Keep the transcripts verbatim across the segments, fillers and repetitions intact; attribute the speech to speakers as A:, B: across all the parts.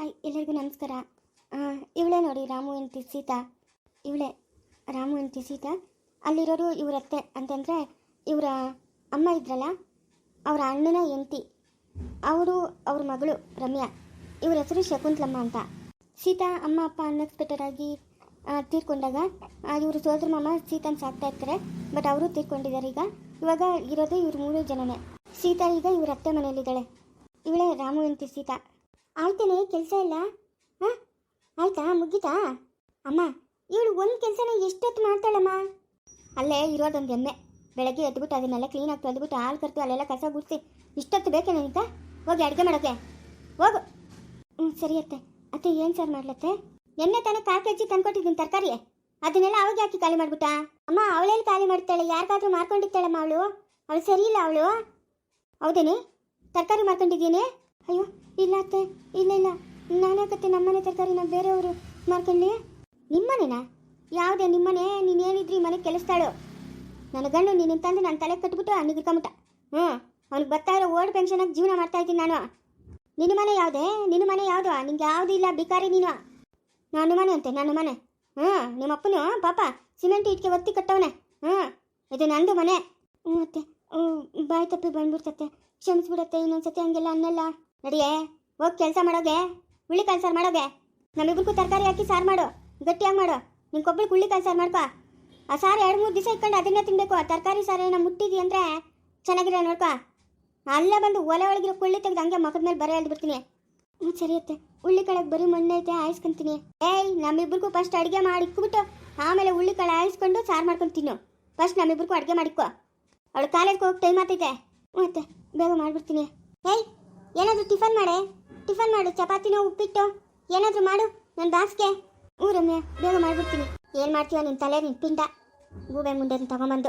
A: Hi ಎಲ್ಲರಿಗೂ ನಮಸ್ಕಾರ. ಇವಳೇ ನೋಡಿ ರಾಮು ಹೆಂಡತಿ ಸೀತಾ. ಇವಳೇ ರಾಮು ಹೆಂಡತಿ ಸೀತಾ. ಅಲ್ಲಿರೋರು ಇವರತ್ತೆ ಅಂತಂದರೆ ಇವರ ಅಮ್ಮ ಇದ್ರಲ್ಲ, ಅವರ ಅಣ್ಣನ ಹೆಂಡತಿ, ಅವರು ಅವ್ರ ಮಗಳು ರಮ್ಯಾ. ಇವ್ರ ಹೆಸರು ಶಕುಂತಲಮ್ಮ ಅಂತ. ಸೀತಾ ಅಮ್ಮ ಅಪ್ಪ ಅನ್ಎಕ್ಸ್ಪೆಕ್ಟೆಡ್ ಆಗಿ ತೀರ್ಕೊಂಡಾಗ ಇವರು ಸೋದರ ಮಾಮ ಸೀತಾನ ಸಾಕ್ತಾ ಇರ್ತಾರೆ. ಬಟ್ ಅವರು ತೀರ್ಕೊಂಡಿದ್ದಾರೆ. ಈಗ ಇವಾಗ ಇರೋದು ಇವ್ರು ಮೂರು ಜನನೇ. ಸೀತಾ ಈಗ ಇವ್ರ ಅತ್ತೆ ಮನೆಯಲ್ಲಿದ್ದಾಳೆ. ಇವಳೇ ರಾಮು ಹೆಂಡತಿ ಸೀತಾ. ಆಯ್ತೇನೆ ಕೆಲಸ ಇಲ್ಲ? ಹಾಂ ಆಯ್ತಾ, ಮುಗೀತಾ? ಅಮ್ಮ ಇವಳು ಒಂದು ಕೆಲಸನ ಎಷ್ಟೊತ್ತು ಮಾಡ್ತಾಳಮ್ಮ. ಅಲ್ಲೇ ಇರೋದೊಂದು ಎಮ್ಮೆ. ಬೆಳಗ್ಗೆ ಎದ್ಬಿಟ್ಟು ಅದನ್ನೆಲ್ಲ ಕ್ಲೀನಾಗಿ ತೊಳೆದ್ಬಿಟ್ಟು ಹಾಲು ಕರ್ತು ಅಲ್ಲೆಲ್ಲ ಕಸ ಗುಡಿಸಿ ಇಷ್ಟೊತ್ತು ಬೇಕೇನೆ ಅಂತ ಹೋಗಿ ಅಡುಗೆ ಮಾಡೋಕ್ಕೆ ಹೋಗು. ಹ್ಞೂ ಸರಿ ಅತ್ತೆ. ಅತ್ತೆ ಏನು ಸರ್ ಮಾಡ್ಲತ್ತೆ? ಎಣ್ಣೆ ತಾನೇ ಕಾಲು ಕೆ ಜಿ ತಂದ್ಕೊಟ್ಟಿದ್ದೀನಿ ತರಕಾರಿ, ಅದನ್ನೆಲ್ಲ ಅವಾಗ ಹಾಕಿ ಖಾಲಿ ಮಾಡ್ಬಿಟ್ಟಾ? ಅಮ್ಮ ಅವಳೇಲಿ ಖಾಲಿ ಮಾಡ್ತಾಳೆ, ಯಾರಿಗಾದ್ರೂ ಮಾರ್ಕೊಂಡಿರ್ತಾಳಮ್ಮ ಅವಳು. ಅವಳು ಸರಿ ಇಲ್ಲ ಅವಳು. ಹೌದೇನೆ? ತರಕಾರಿ ಮಾರ್ಕೊಂಡಿದ್ದೀನಿ? ಅಯ್ಯೋ ಇಲ್ಲ ಅತ್ತೆ, ಇಲ್ಲ ಇಲ್ಲ ನಾನ್ಯಾಕತ್ತೆ ನಮ್ಮನೆ ತರಕಾರಿನ ಬೇರೆಯವರು ಮಾರ್ಕೊಳ್ಳಿ. ನಿಮ್ಮನೆನಾ? ಯಾವುದೇ ನಿಮ್ಮನೆ? ನೀನೇನಿದ್ರಿ ಮನೆಗೆ ಕೆಲಸ್ತಾಳು. ನನ್ನ ಗಂಡು ನೀನು ತಂದು ನಾನು ತಲೆ ಕಟ್ಬಿಟ್ಟು ನಿಗಿರ್ಕೊಂಬಿಟ್ಟ. ಹ್ಞೂ ಅವ್ನಿಗೆ ಬರ್ತಾ ಇರೋ ಓಲ್ಡ್ ಪೆನ್ಷನಾಗಿ ಜೀವನ ಮಾಡ್ತಾ ಇದ್ದೀನಿ ನಾನು. ನಿನ್ನ ಮನೆ ಯಾವುದೇ? ನಿನ್ನ ಮನೆ ಯಾವುದು? ನಿಂಗೆ ಯಾವುದು ಇಲ್ಲ, ಬಿಕಾರಿ ನೀನು. ನನ್ನ ಮನೆ ಅಂತೆ, ನನ್ನ ಮನೆ. ಹ್ಞೂ ನಿಮ್ಮಪ್ಪನು ಪಾಪ ಸಿಮೆಂಟ್ ಇಟ್ಕೆ ಒತ್ತಿ ಕಟ್ಟವನೆ. ಹ್ಞೂ ಇದು ನಂದು ಮನೆ. ಹ್ಞೂ ಅತ್ತೆ, ಬಾಯಿ ತಪ್ಪಿ ಬಂದ್ಬಿಡ್ತತ್ತೆ, ಕ್ಷಮಿಸ್ಬಿಡತ್ತೆ. ಇನ್ನೊಂದ್ಸತಿ ಹಂಗೆಲ್ಲ ಅನ್ನಲ್ಲ. ನಡಿಯೇ ಹೋಗಿ ಕೆಲಸ ಮಾಡೋಗೆ, ಹುಳ್ಳಿಕಾಳು ಸಾರು ಮಾಡೋಗೆ. ನಮ್ಮಿಬ್ರಿಗೂ ತರಕಾರಿ ಹಾಕಿ ಸಾರು ಮಾಡು, ಗಟ್ಟಿಯಾಗಿ ಮಾಡು. ನಿನ್ಗೊಬ್ಬಳಿಗೆ ಹುಳ್ಳಿಕಾಳು ಸಾರು ಮಾಡ್ಕೊ. ಆ ಸಾರು ಎರಡು ಮೂರು ದಿವಸ ಇಟ್ಕೊಂಡು ಅದನ್ನೇ ತಿನ್ನಬೇಕು. ಆ ತರಕಾರಿ ಸಾರು ಏನೋ ಮುಟ್ಟಿದಿ ಅಂದರೆ ಚೆನ್ನಾಗಿರೋ ನೋಡ್ಕೊ. ಅಲ್ಲೇ ಬಂದು ಒಲೆ ಒಳಗಿರೋ ಕುಳ್ಳಿ ತೆಗೆದು ಹಂಗೆ ಮಕ್ಕದ ಮೇಲೆ ಬರೋ ಹೇಳ್ಬಿಡ್ತೀನಿ. ಹ್ಞೂ ಸರಿ ಅತ್ತೆ. ಹುಳ್ಳಿಕಾಳಕ್ಕೆ ಬರೀ ಮಣ್ಣೈತೆ, ಆಯಿಸ್ಕೊಂತೀನಿ. ಏಯ್ ನಮ್ಮಿಬ್ರಿಗೂ ಫಸ್ಟ್ ಅಡುಗೆ ಮಾಡಿ ಇಕ್ಬಿಟ್ಟು ಆಮೇಲೆ ಹುಳ್ಳಿಕಾಳು ಆಯಿಸ್ಕೊಂಡು ಸಾರು ಮಾಡ್ಕೊಂಡು ತಿನ್ನು. ಫಸ್ಟ್ ನಮ್ಮಿಬ್ರಿಗೂ ಅಡುಗೆ ಮಾಡಿಕ್ಕೋ. ಅವಳು ಕಾಲೇಜ್ಗೆ ಹೋಗಿ ಟೈಮ್ ಆಗ್ತೈತೆ. ಹ್ಞೂ ಅತ್ತೆ ಬೇಗ ಮಾಡಿಬಿಡ್ತೀನಿ. ಏಯ್ ಏನಾದರೂ ಟಿಫನ್ ಮಾಡೆ, ಟಿಫನ್ ಮಾಡು. ಚಪಾತಿನೋ ಉಪ್ಪಿಟ್ಟು ಏನಾದರೂ ಮಾಡು ನನ್ನ ಬಾಸ್ಗೆ. ಹ್ಞೂ ರಮ್ಯಾ ಬೇಗ ಮಾಡಿಬಿಡ್ತೀನಿ. ಏನು ಮಾಡ್ತೀವ ನಿನ್ನ ತಲೆ, ನಿನ್ನ ಪಿಂಡ ಗೂಬೆ ಮುಂದೆ ತಗೊಂಬಂದು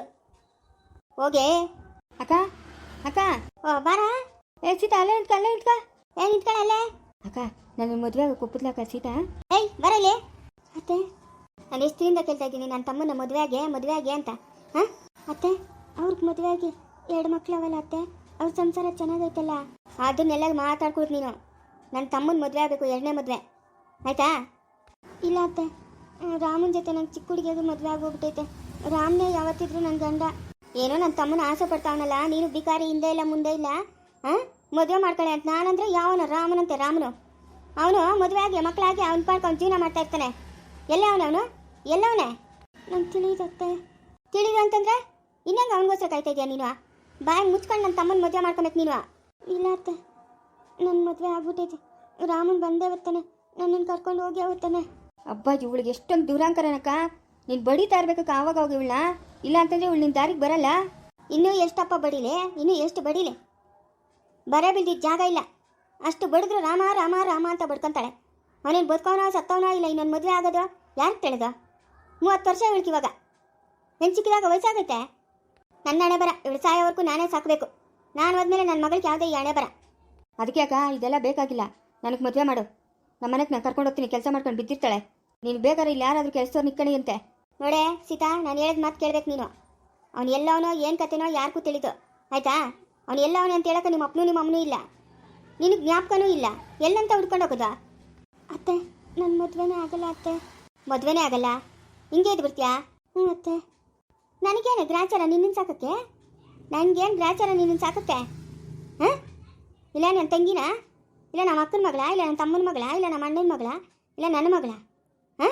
A: ಹೋಗೆ.
B: ಅಕ್ಕ ಅಕ್ಕ
A: ಓ ಬಾರ.
B: ಏ ಸೀತಾ ಅಲ್ಲೇ ನಿಂತ್ಕ, ಅಲ್ಲೇ ನಿಂತ್ಕ.
A: ಏ ನಿಂತ್ಕೊಳ್ಳ ಅಲ್ಲೇ.
B: ಅಕ್ಕ ನನ್ನ ಮದುವೆ ಕುಪ್ಪದ್ಲಕ್ಕ ಸೀತಾ.
A: ಏಯ್ ಬರಲಿ. ಅತ್ತೆ ನಾನು ಎಷ್ಟು ದಿನದಿಂದ ಕೇಳ್ತಾ ಇದ್ದೀನಿ ನನ್ನ ತಮ್ಮನ ಮದುವೆ ಆಗಿ ಮದುವೆ ಆಗಿ ಅಂತ. ಹಾಂ ಅತ್ತೆ ಅವ್ರಿಗೆ ಮದುವೆ ಆಗಿ ಎರಡು ಮಕ್ಳು ಅವಲ್ಲ ಅತ್ತೆ, ಅವ್ರ ಸಂಸಾರ ಚೆನ್ನಾಗೈತಲ್ಲ. ಅದನ್ನೆಲ್ಲ ಮಾತಾಡ್ಕೊಡ್ತು ನೀನು. ನನ್ನ ತಮ್ಮನ ಮದುವೆ ಆಗಬೇಕು, ಎರಡನೇ ಮದುವೆ ಆಯಿತಾ? ಇಲ್ಲ ಅತ್ತೆ, ರಾಮನ ಜೊತೆ ನಂಗೆ ಚಿಕ್ಕ ಹುಡುಗಿಯಾಗಿ ಮದುವೆ ಆಗೋಗ್ಬಿಟ್ಟೈತೆ. ರಾಮನೇ ಯಾವತ್ತಿದ್ರು ನನ್ನ ಗಂಡ. ಏನೋ ನನ್ನ ತಮ್ಮನ ಆಸೆ ಪಡ್ತಾವನಲ್ಲ, ನೀನು ಬಿಕಾರಿ ಹಿಂದೆ ಇಲ್ಲ ಮುಂದೆ ಇಲ್ಲ. ಹಾಂ ಮದುವೆ ಮಾಡ್ಕೊಳ್ಳಿ ಅಂತ ನಾನಂದ್ರೆ ಯಾವನ ರಾಮನಂತೆ ರಾಮನು. ಅವನು ಮದುವೆ ಆಗಿ ಮಕ್ಕಳಾಗಿ ಅವ್ನ ಪಾಡ್ಕ ಅವ್ನು ಜೀವನ ಮಾಡ್ತಾ ಇರ್ತಾನೆ. ಎಲ್ಲೇ ಅವನು ಅವನು ಎಲ್ಲವನೇ ನಂಗೆ ತಿಳಿಯುತ್ತೆ. ತಿಳಿದು ಅಂತಂದ್ರೆ ಇನ್ನಂಗೆ ಅವನಿಗೋಸ್ಕರ ಕಾಯ್ತಾ ಇದೆಯಾ ನೀನು? ಬಾಯಿ ಮುಚ್ಕೊಂಡು ನನ್ನ ತಮ್ಮನ ಮದುವೆ ಮಾಡ್ಕೊಬೇಕು ನೀನು. ಇಲ್ಲ ಅತ್ತೆ ನನ್ನ ಮದುವೆ ಆಗ್ಬಿಟ್ಟೈತೆ. ರಾಮನ್ ಬಂದೇ ಬರ್ತಾನೆ, ನನ್ನನ್ನು ಕರ್ಕೊಂಡು ಹೋಗಿ ಹೋಗ್ತಾನೆ.
B: ಅಬ್ಬಾ ಇವಳಿಗೆ ಎಷ್ಟೊಂದು ದುರಾಂಕರನಕ್ಕ. ನೀನು ಬಡಿತಾ ಇರ್ಬೇಕಕ್ಕ ಆವಾಗ ಹೋಗಿ ಇವಳನ್ನ. ಇಲ್ಲ ಅಂತಂದ್ರೆ ಇವಳು ನಿನ್ನ ದಾರಿಗೆ ಬರಲ್ಲ.
A: ಇನ್ನೂ ಎಷ್ಟಪ್ಪ ಬಡಿಲೆ, ಇನ್ನೂ ಎಷ್ಟು ಬಡಿಲೆ? ಬರ ಬಿಲ್ದಿದ್ದ ಜಾಗ ಇಲ್ಲ. ಅಷ್ಟು ಬಡಿದ್ರು ರಾಮ ರಾಮ ರಾಮ ಅಂತ ಬಡ್ಕೊತಾಳೆ. ಅವನೇನು ಬದುಕೋನೋ ಸತ್ತವನೋ ಇಲ್ಲ. ಇನ್ನೊಂದು ಮದುವೆ ಆಗೋದು ಯಾರು ತಿಳಿದ? ಮೂವತ್ತು ವರ್ಷ ಇವಳಿಗೆ ಇವಾಗ. ಹೆಣ್ಣು ಚಿಕ್ಕಿದಾಗ ವಯಸ್ಸಾಗೈತೆ. ನನ್ನ ಹಣೆ ಬರ ಇವಳು ಸಾಯೋವರೆಗೂ ನಾನೇ ಸಾಕಬೇಕು. ನಾನು ಹೋದ್ಮೇಲೆ ನನ್ನ ಮಗಳಿಗೆ ಯಾವುದೇ ಈ ಹಣೆ ಬರ.
B: ಅದಕ್ಕೆ ಅಕ್ಕ ಇದೆಲ್ಲ ಬೇಕಾಗಿಲ್ಲ. ನನಗೆ ಮದುವೆ ಮಾಡು. ನಮ್ಮ ಮನೆಗೆ ನಾನು ಕರ್ಕೊಂಡು ಹೋಗ್ತೀನಿ, ಕೆಲಸ ಮಾಡ್ಕೊಂಡು ಬಿದ್ದಿರ್ತಾಳೆ. ನೀನು ಬೇಕಾದ್ರೆ ಇಲ್ಲಿ ಯಾರಾದರೂ ಕೆಲಸದವ್ರು ನಿಕ್ಕಣಿ ಅಂತೆ.
A: ನೋಡೇ ಸೀತಾ, ನಾನು ಹೇಳಿದ ಮಾತು ಕೇಳ್ಬೇಕು ನೀನು. ಅವ್ನು ಎಲ್ಲವನೋ ಏನು ಕತೆನೋ ಯಾರಿಗೂ ತಿಳಿದು ಆಯಿತಾ? ಅವ್ನು ಎಲ್ಲವನೇ ಅಂತ ಹೇಳಕ್ಕೆ ನಿಮ್ಮ ಅಪ್ಪನೂ ನಿಮ್ಮ ಅಮ್ಮನೂ ಇಲ್ಲ, ನಿನಗೆ ಜ್ಞಾಪಕನೂ ಇಲ್ಲ. ಎಲ್ಲಂತ ಹುಡ್ಕೊಂಡು ಹೋಗೋದು? ಅತ್ತೆ ನನ್ನ ಮದುವೆನೇ ಆಗಲ್ಲ ಅತ್ತೆ. ಮದುವೆನೇ ಆಗಲ್ಲ? ಹಿಂಗೆ ಇದು ಬಿಡ್ತೀಯಾ? ಹ್ಞೂ ಅತ್ತೆ. ನನಗೇನು ಗ್ರಾಚಾರ ನಿನ್ನನ್ನು ಸಾಕಕ್ಕೆ? ನನಗೇನು ಗ್ರಾಚಾರ ನಿನ್ನನ್ನು ಸಾಕಕ್ಕೆ? ಹಾಂ ಇಲ್ಲ ನನ್ನ ತಂಗಿನ? ಇಲ್ಲ ನಮ್ಮ ಅಕ್ಕನ ಮಗಳ? ಇಲ್ಲ ನನ್ನ ತಮ್ಮನ ಮಗಳ? ಇಲ್ಲ ನಮ್ಮ ಅಣ್ಣನ ಮಗಳ? ಇಲ್ಲ ನನ್ನ ಮಗಳ? ಹಾಂ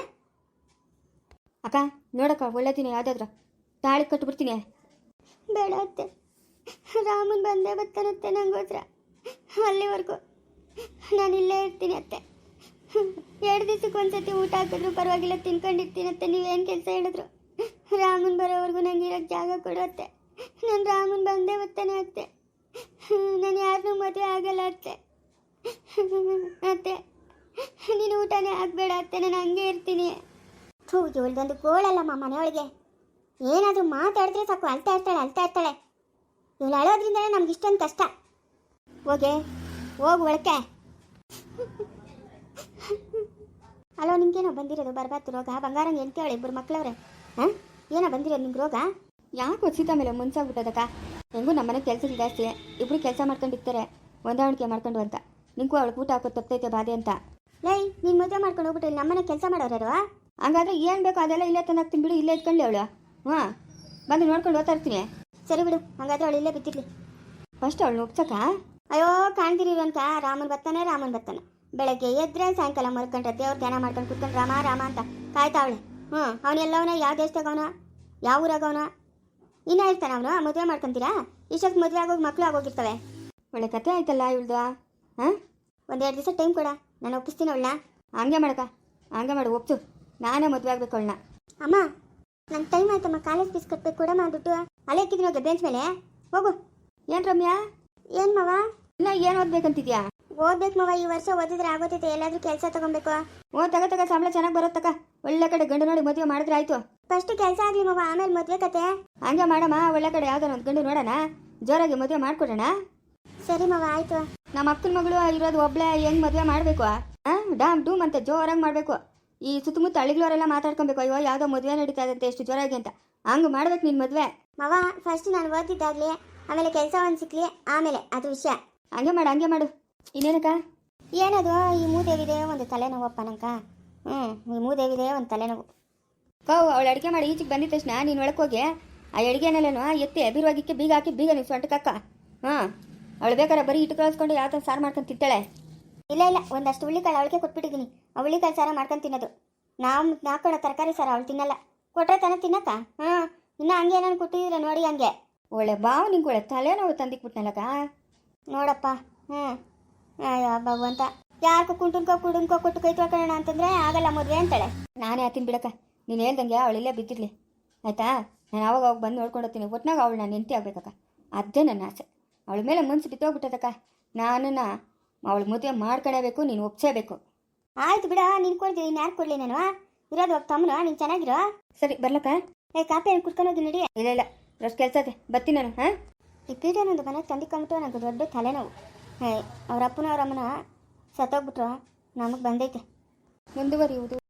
B: ಅಕ್ಕ ನೋಡಕ್ಕ ಒಳ್ಳೆದಿನ ಯಾವುದಾದ್ರು ತಾಳಿ ಕಟ್ಟಿಬಿಡ್ತೀನಿ.
A: ಬೇಡ ಅತ್ತೆ, ರಾಮನ್ ಬಂದೇ ಬರ್ತಾನತ್ತೆ ನಂಗೋಸ್ಕರ. ಅಲ್ಲಿವರೆಗೂ ನಾನು ಇಲ್ಲೇ ಇರ್ತೀನಿ ಅತ್ತೆ. ಎರಡು ದಿವಸಕ್ಕೆ ಒಂದ್ಸತಿ ಊಟ ಹಾಕಿದ್ರು ಪರವಾಗಿಲ್ಲ, ತಿನ್ಕೊಂಡಿರ್ತೀನತ್ತೆ. ನೀವೇನು ಕೆಲಸ ಹೇಳಿದ್ರು ರಾಮನ್ ಬರೋವರೆಗೂ ನಂಗೆ ಇರೋಕ್ಕೆ ಜಾಗ ಕೊಡು ಅತ್ತೆ. ನಾನು ರಾಮನ್ ಬಂದೇ ಬರ್ತಾನೆ ಅತ್ತೆ. ನಾನು ಯಾರನ್ನೂ ಮದುವೆ ಆಗಲ್ಲ ಅತ್ತೆ. ಅತ್ತೆ ನೀನು ಊಟನೇ ಆಗಬೇಡ ಅತ್ತೆ, ನಾನು ಹಂಗೆ ಇರ್ತೀನಿ. ಥೂ ಇವಳ್ದೊಂದು ಗೋಳಲ್ಲಮ್ಮ ಮನೆಯೊಳಗೆ. ಏನಾದರೂ ಮಾತಾಡಿದ್ರೆ ಸಾಕು ಅಳ್ತಾ ಇರ್ತಾಳೆ ಅಳ್ತಾ ಇರ್ತಾಳೆ. ಇವಳು ಅಳೋದ್ರಿಂದಲೇ ನಮ್ಗೆ ಇಷ್ಟೊಂದು ಕಷ್ಟ. ಹೋಗೆ ಹೋಗು ಒಳಕ್ಕೆ. ಅಲೋ ನಿಮ್ಗೇನೋ ಬಂದಿರೋದು ಬರ್ಬಾರ್ದು ರೋಗ? ಬಂಗಾರಂಗೆ ಎಂತೇಳಿ ಇಬ್ಬರು ಮಕ್ಕಳವ್ರೆ. ಹಾಂ ಏನೋ ಬಂದಿರೋದು ನಿಮ್ಗೆ ರೋಗ?
B: ಯಾಕೆ ಸೀತಾ ಮೇಲೆ ಮುನ್ಸಾಗ್ಬಿಟ್ಟದಕ್ಕ. ಹೆಂಗೂ ನಮ್ಮ ಮನೆ ಕೆಲಸಗಳು ಜಾಸ್ತಿ, ಇಬ್ಬರು ಕೆಲಸ ಮಾಡ್ಕೊಂಡಿರ್ತಾರೆ, ಹೊಂದಾಣಿಕೆ ಮಾಡ್ಕೊಂಡು ಅಂತ. ನಿಂಗೂ ಅವಳಿಗೆ ಊಟ ಹಾಕೋದು ತಪ್ಪೈತೆ ಬಾಧೆ ಅಂತ.
A: ಲೈ ನೀನು ಮದುವೆ ಮಾಡ್ಕೊಂಡು ಹೋಗ್ಬಿಟ್ಟು ಇಲ್ಲಿ ನಮ್ಮನೆ ಕೆಲಸ ಮಾಡೋರು
B: ಹಂಗಾದ್ರೆ ಏನು ಬೇಕು ಅದೆಲ್ಲ ಇಲ್ಲೇ ತಂದು ಹಾಕ್ತೀನಿ ಬಿಡು, ಇಲ್ಲೇ ಇಟ್ಕೊಳ್ಳಿ ಅವಳು. ಹಾಂ, ಬಂದು ನೋಡ್ಕೊಂಡು ಓದ್ತಾ ಇರ್ತೀನಿ.
A: ಸರಿ ಬಿಡು, ಹಂಗಾದ್ರೆ ಅವಳು ಇಲ್ಲೇ ಬಿದ್ದಿರ್ಲಿ.
B: ಫಸ್ಟ್ ಅವಳು ಒಪ್ಸಕ್ಕ.
A: ಅಯ್ಯೋ ಕಾಣ್ತೀರಿ ಅನ್ಕ ರಾಮನ್ ಬರ್ತಾನೆ ರಾಮನ್ ಬರ್ತಾನೆ ಬೆಳಗ್ಗೆ ಎದ್ರೆ ಸಾಯಂಕಾಲ ಮಲ್ಕೊಂಡ್ರೆ ದೇವ್ರ ಧ್ಯಾನ ಮಾಡ್ಕೊಂಡು ಕುತ್ಕೊಂಡು ರಾಮ ರಾಮ ಅಂತ ಕಾಯ್ತಾವಳೆ. ಹ್ಞೂ ಅವನೆಲ್ಲವನ ಯಾವ ದೇಶದಾಗವನ, ಯಾವ ಊರಾಗವನ, ಇನ್ನೂ ಇರ್ತಾನೆ ಅವನು. ಮದುವೆ ಮಾಡ್ಕೊಂತೀರಾ? ಇಷ್ಟೊತ್ತು ಮದುವೆ ಆಗೋಗಿ ಮಕ್ಕಳು ಆಗೋಗಿರ್ತವೆ.
B: ಒಳ್ಳೆ ಕತೆ ಆಯ್ತಲ್ಲ ಇವಳ್ದು. ಹಾಂ,
A: ಒಂದೆರಡು ದಿವಸ ಟೈಮ್ ಕೊಡ, ನಾನು ಒಪ್ಪಿಸ್ತೀನಿ ಅವಳನ್ನ.
B: ಹಂಗೆ ಮಾಡಕ, ಹಂಗೆ ಮಾಡು, ಒಪ್ಸು. ನಾನೇ ಮದುವೆ ಆಗ್ಬೇಕು ಅವಳನ್ನ.
A: ಅಮ್ಮ ನಂಗೆ ಟೈಮ್ ಆಯ್ತಮ್ಮ, ಕಾಲೇಜ್ ಫೀಸ್ ಕಟ್ಬೇಕು, ಕೊಡಮ್ಮ ದುಡ್ಡು. ಅಲ್ಲೇ ಇಕ್ಕಿದ್ದೀನಿ ಹೋಗಿ ಬೆಂಚ್ ಮೇಲೆ, ಹೋಗು.
B: ಏನು ರಮ್ಯಾ,
A: ಏನು ಮವ
B: ಇನ್ನ ಏನು ಓದ್ಬೇಕಂತಿದ್ಯಾ?
A: ಓದ್ಬೇಕು ಮವ, ಈ ವರ್ಷ ಓದಿದ್ರೆ ಆಗೋತೈತೆ. ಎಲ್ಲಾದ್ರೂ ಕೆಲಸ ತಗೊಬೇಕು.
B: ಓ ತಗ ತಗ, ಸಂಬಳ ಚೆನ್ನಾಗಿ ಬರೋತ್ತಕ್ಕ. ಒಳ್ಳೆ ಕಡೆ ಗಂಡು ನೋಡಿ ಮದುವೆ ಮಾಡಿದ್ರೆ ಆಯ್ತು.
A: ಫಸ್ಟ್ ಕೆಲಸ ಆಗ್ಲಿ ಮವ, ಆಮೇಲೆ ಮದುವೆ ಕತೆ.
B: ಹಂಗೆ ಮಾಡಮ್ಮ, ಒಳ್ಳೆ ಕಡೆ ಯಾವ್ದಾರ ಒಂದು ಗಂಡು ನೋಡೋಣ, ಜೋರಾಗಿ ಮದುವೆ ಮಾಡ್ಕೊಡೋಣ.
A: ಸರಿ ಮವ, ಆಯ್ತು.
B: ನಮ್ಮ ಅಕ್ಕನ ಮಗಳು ಇರೋದು ಒಬ್ಳೆ, ಹೆಂಗ್ ಮದುವೆ ಮಾಡಬೇಕು? ಹಾಂ, ಡಾಮ್ ಡೂಮ್ ಅಂತ ಜೋರಾಗಿ ಮಾಡಬೇಕು. ಈ ಸುತ್ತಮುತ್ತ ಹಳ್ಳಿಗಳವರೆಲ್ಲ ಮಾತಾಡ್ಕೊಬೇಕು, ಅಯ್ಯೋ ಯಾವುದೋ ಮದುವೆ ನಡೀತಾ ಇದಂತೆ ಎಷ್ಟು ಜೋರಾಗಿ ಅಂತ. ಹಂಗೆ ಮಾಡ್ಬೇಕು ನಿನ್ನ ಮದುವೆ.
A: ಮವ ಫಸ್ಟ್ ನಾನು ಓದಿದ್ದಾಗ್ಲಿ, ಆಮೇಲೆ ಕೆಲಸ ಒಂದು ಸಿಕ್ಲಿ, ಆಮೇಲೆ ಅದು ವಿಷಯ.
B: ಹಂಗೆ ಮಾಡು, ಹಂಗೆ ಮಾಡು. ಇನ್ನೇನಕ್ಕ?
A: ಏನದು ಈ ಮೂದೇವಿದೆ ಒಂದು ತಲೆನೋವಪ್ಪ ನಂಕ. ಹ್ಞೂ ಈ ಮೂದೇವಿದೆ ಒಂದು ತಲೆನೋವು.
B: ಕೌ ಅವಳು ಅಡುಗೆ ಮಾಡಿ ಈಚೆಗೆ ಬಂದಿದ ತಕ್ಷಣ ನೀನು ಒಳಗೆ ಹೋಗಿ ಆ ಅಡುಗೆನೆಲ್ಲನೂ ಎತ್ತಿ ಬೀರುವಾಗಿಕ್ಕೆ ಬೀಗ ಹಾಕಿ ಬೀಗ ನೀವು ಸೊಂಟಕ್ಕಕ್ಕ. ಹಾಂ, ಅವಳು ಬೇಕಾರೆ ಬರೀ ಇಟ್ಟು ಕಳಿಸ್ಕೊಂಡು ಯಾವ ಥರ ಸಾರು ಮಾಡ್ಕೊಂಡು ತಿಂತಾಳೆ.
A: ಇಲ್ಲ ಇಲ್ಲ, ಒಂದಷ್ಟು ಹುಳ್ಳಿಕಾಳು ಅವಳಿಗೆ ಕೊಟ್ಬಿಟ್ಟಿದ್ದೀನಿ. ಆ ಹುಳ್ಳಿಕಾಳು ಸಾರ ಮಾಡ್ಕೊಂಡು ತಿನ್ನೋದು. ನಾವು ನಾಲ್ಕೊಡೋ ತರಕಾರಿ ಸಾರ ಅವಳು ತಿನ್ನಲ್ಲ. ಕೊಟ್ಟರೆ ತಾನೇ ತಿನ್ನಕ್ಕ. ಹಾಂ, ಇನ್ನು ಹಂಗೆ ಏನಾನು ಕೊಟ್ಟಿದ್ರೆ ನೋಡಿ ಹಂಗೆ.
B: ಒಳ್ಳೆ ಬಾವು ನಿಂಗೆ ಒಳ್ಳೆ ತಲೆನೋವು ತಂದಿಕ್ಬಿಟ್ನಲ್ಲಕ್ಕ.
A: ನೋಡಪ್ಪ. ಹ್ಞೂ ಅಯ್ಯೋ ಭಗವಂತ, ಯಾರಿಗೂ ಕುಂಟುನ್ಕೋ ಕುಡುನ್ಕೋ ಕೊಟ್ಟು ಕೈ ತೊಳ್ಕೊಳ್ಳೋಣ ಅಂತಂದರೆ ಆಗಲ್ಲ ಮದುವೆ ಅಂತಾಳೆ.
B: ನಾನೇ ಆತೀನಿ ಬಿಡಕ್ಕ, ನೀನು ಹೇಳ್ದಂಗೆ ಅವಳಿಲ್ಲೇ ಬಿದ್ದಿರಲಿ ಆಯಿತಾ. ನಾನು ಅವಾಗ ಅವಾಗ ಬಂದು ನೋಡ್ಕೊಂಡು ಹೋಗ್ತೀನಿ. ಒಟ್ನಾಗ ಅವಳು ನಾನು ನೆಂಟಿ ಆಗ್ಬೇಕಕ್ಕ, ಅದೇ ನನ್ನ ಆಸೆ. ಅವಳ ಮೇಲೆ ಮನಸ್ಸು ಬಿತ್ತೋಗ್ಬಿಟ್ಟದಕ್ಕ. ನಾನನ್ನು ಅವಳು ಮದುವೆ ಮಾಡ್ಕೊಳ್ಳೇಬೇಕು, ನೀನು ಒಪ್ಸೇಬೇಕು.
A: ಆಯ್ತು ಬಿಡ, ನೀನು ಕೊಡ್ತೀವಿ, ಇನ್ನು ಯಾರು ಕೊಡಲಿ ನಾನು? ಇರೋದು ಒಬ್ಬ ತಮ್ಮನು, ನೀನು ಚೆನ್ನಾಗಿರೋ.
B: ಸರಿ ಬರ್ಲಕ್ಕ.
A: ಏ ಕಾಪಿ ಏನು ಕುಡ್ಕೊಂಡು ನಡಿ.
B: ಇಲ್ಲ ಇಲ್ಲ, ಅಷ್ಟು ಕೆಲಸ ಇದೆ, ಬರ್ತೀನಿ ನಾನು. ಹಾಂ,
A: ಈ ಪೀಠನೊಂದು ಮನೆಗೆ ತಂದಿಕೊಂಬಿಟ್ಟು ನನಗೆ ದೊಡ್ಡ ತಲೆನೋವು. ಹೇ ಅವ್ರ ಅಪ್ಪನ ಅವ್ರ ಅಮ್ಮನ ಸತ್ತೋಗ್ಬಿಟ್ರು, ನಮಗೆ ಬಂದೈತೆ.
B: ಮುಂದುವರಿಯುವುದು.